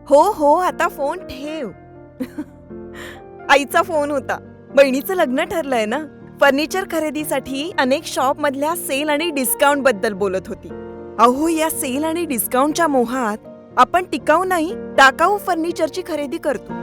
हो हो, आता फोन ठेव. आईचा फोन होता. बहिणीचं लग्न ठरलंय ना. फर्निचर खरेदीसाठी अनेक शॉप मधल्या सेल आणि डिस्काउंट बद्दल बोलत होती. अहो, या सेल आणि डिस्काउंटच्या मोहात आपण टिकाऊ नाही, टाकाऊ फर्निचरची खरेदी करतो.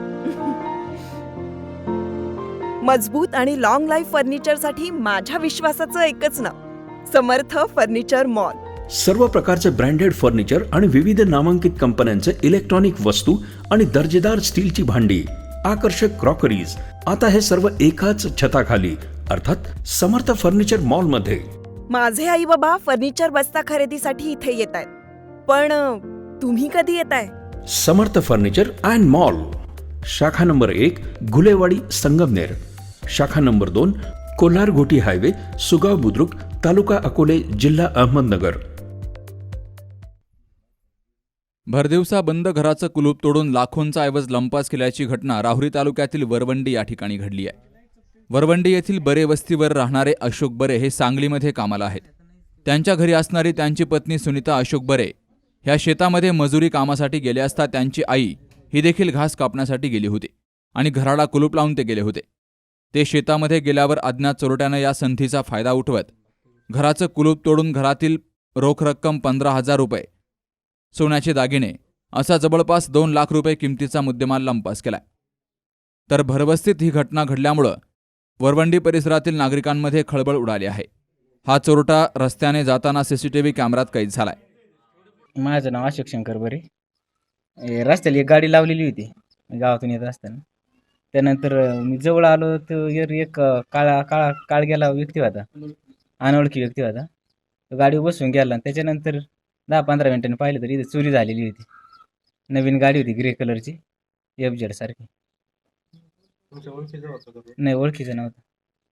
मजबूत आणि लॉंग लाईफ फर्निचरसाठी माझ्या विश्वासाचं एकच नाव, समर्थ फर्निचर मॉल. सर्व प्रकारचे ब्रँडेड फर्निचर आणि विविध नामांकित कंपन्यांचे इलेक्ट्रॉनिक वस्तू आणि दर्जेदार स्टीलची भांडी, आकर्षक क्रॉकरीज, आता हे सर्व एकाच छताखाली, अर्थात समर्थ फर्निचर मॉल मध्ये. माझे आई बाबा फर्निचर बस्ता खरेदीसाठी इथे येत आहेत, पण तुम्ही कधी येताय? समर्थ फर्निचर अँड मॉल, शाखा नंबर 1 घुलेवाडी संगमनेर, शाखा नंबर 2 कोल्हार घोटी हायवे सुगाव बुद्रुक तालुका अकोले जिल्हा अहमदनगर. भरदिवसा बंद घराचं कुलूप तोडून लाखोंचा ऐवज लंपास केल्याची घटना राहुरी तालुक्यातील वरवंडी या ठिकाणी घडली आहे. वरवंडी येथील बरे वस्तीवर राहणारे अशोक बरे हे सांगलीमध्ये कामाला आहेत. त्यांच्या घरी असणारी त्यांची पत्नी सुनीता अशोक बरे ह्या शेतामध्ये मजुरी कामासाठी गेले असता त्यांची आई ही देखील घास कापण्यासाठी गेली होती आणि घराला कुलूप लावून ते गेले होते. ते शेतामध्ये गेल्यावर अज्ञात चोरट्यानं या संधीचा फायदा उठवत घराचं कुलूप तोडून घरातील रोख रक्कम 15,000 रुपये, सोन्याचे दागिने असा जवळपास 2 लाख रुपये किमतीचा मुद्देमाल लंपास केलाय. तर भरवस्तीत ही घटना घडल्यामुळं वरवंडी परिसरातील नागरिकांमध्ये खळबळ उडाली आहे. हा चोरटा रस्त्याने जाताना सीसीटीव्ही कॅमेऱ्यात कैद झालाय. माझं नाव अशोक शंकर बरे. रस्त्याला एक गाडी लावलेली होती गावातून येत असताना. त्यानंतर मी जवळ आलो तर एक काळग्याला व्यक्ती होता, अनोळखी व्यक्ती होता. तो गाडीवर बसून गेला. त्याच्यानंतर 10-15 मिनिटांनी पाहिलं तर इथे चोरी झालेली होती. नवीन गाडी होती ग्रे कलरची, FZ सारखी. नाही, ओळखीचं नव्हतं.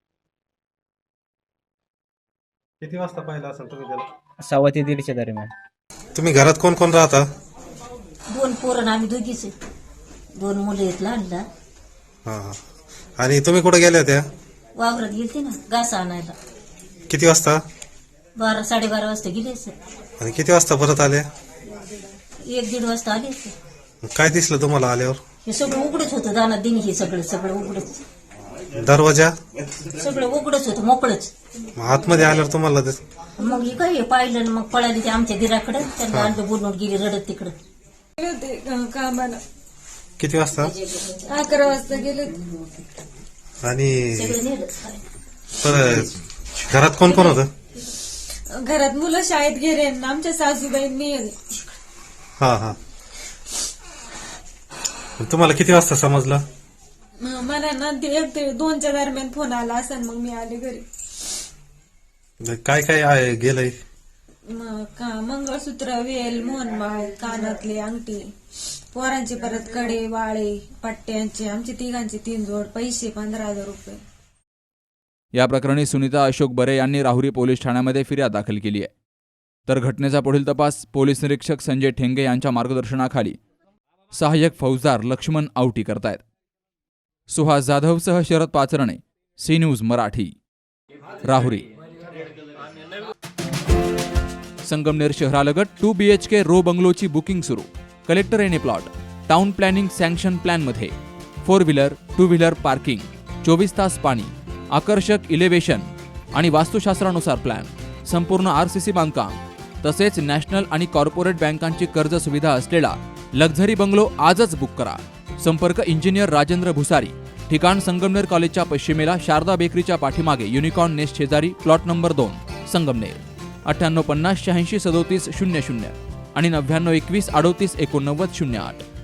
किती वाजता पाहिला असेल तुम्ही त्याला? 1:15 ते 1:30 दरम्यान. तुम्ही घरात कोण कोण राहता? 2 पोरं, आम्ही दोघीच आहे. 2 मुलं आहेत लहान लहान. हा. आणि तुम्ही कुठे गेल्या होत्या? वावरात गेलते ना घास आणायला. किती वाजता? 12-12:30 वाजता गेले सर. आणि किती वाजता परत आल्या? 1-1:30 वाजता आले सर. काय दिसलं तुम्हाला आल्यावर? हे सगळं उघडच होतं, दाना दिनी हे सगळं उघडच, दरवाजा सगळं उघडच होतं, मोकळच. आतमध्ये आल्यावर तुम्हाला मग हे काय पाहिलं आणि मग पळाली ते आमच्या गिराकडे. त्यांना आणलं, बोलून गेली रडत तिकडं. गेले होते कामाला. किती वाजता? 11 वाजता गेले होते. आणि सगळं नेलं. परत घरात कोण कोण होतं? घरात मुलं शाळेत गेले, आमच्या सासूबाई मी आहे. हा. तुम्हाला किती वाजता समजलं? मला ना 1 ते 2च्या दरम्यान फोन आला असं, मग मी आले घरी. काय काय आहे गेलंय? मंगळसूत्र, वेल, मोहनमाळ, कानातले, अंगठी, पोरांचे परत कडे, वाळे, पट्ट्यांचे, आमचे तिघांचे 3 जोड, पैसे 15,000 रुपये. या प्रकरणी सुनीता अशोक बरे यांनी राहुरी पोलीस ठाण्यामध्ये फिर्याद दाखल केली आहे. तर घटनेचा पुढील तपास पोलीस निरीक्षक संजय ठेंगे यांच्या मार्गदर्शनाखाली सहाय्यक फौजदार लक्ष्मण आवटी करतायत. सुहास जाधवसह शरद पाचरणे, सी न्यूज मराठी, राहुरी. संगमनेर शहरालगत 2 BHK रो बंगलोची बुकिंग सुरू. Collector NA plot. Town planning sanction प्लॅनमध्ये 4 व्हीलर 2 व्हीलर पार्किंग, 24 तास पाणी, आकर्षक इलेव्हेशन आणि वास्तुशास्त्रानुसार प्लॅन, संपूर्ण RCC बांधकाम तसेच नॅशनल आणि कॉर्पोरेट बँकांची कर्ज सुविधा असलेला लक्झरी बंगलो आजच बुक करा. संपर्क इंजिनियर राजेंद्र भुसारी. ठिकाण संगमनेर कॉलेजच्या पश्चिमेला शारदा बेकरीच्या पाठीमागे युनिकॉर्न नेस्ट शेजारी, प्लॉट नंबर 2, संगमनेर. 9850 86 37 00 आणि 99 21 38 89 08.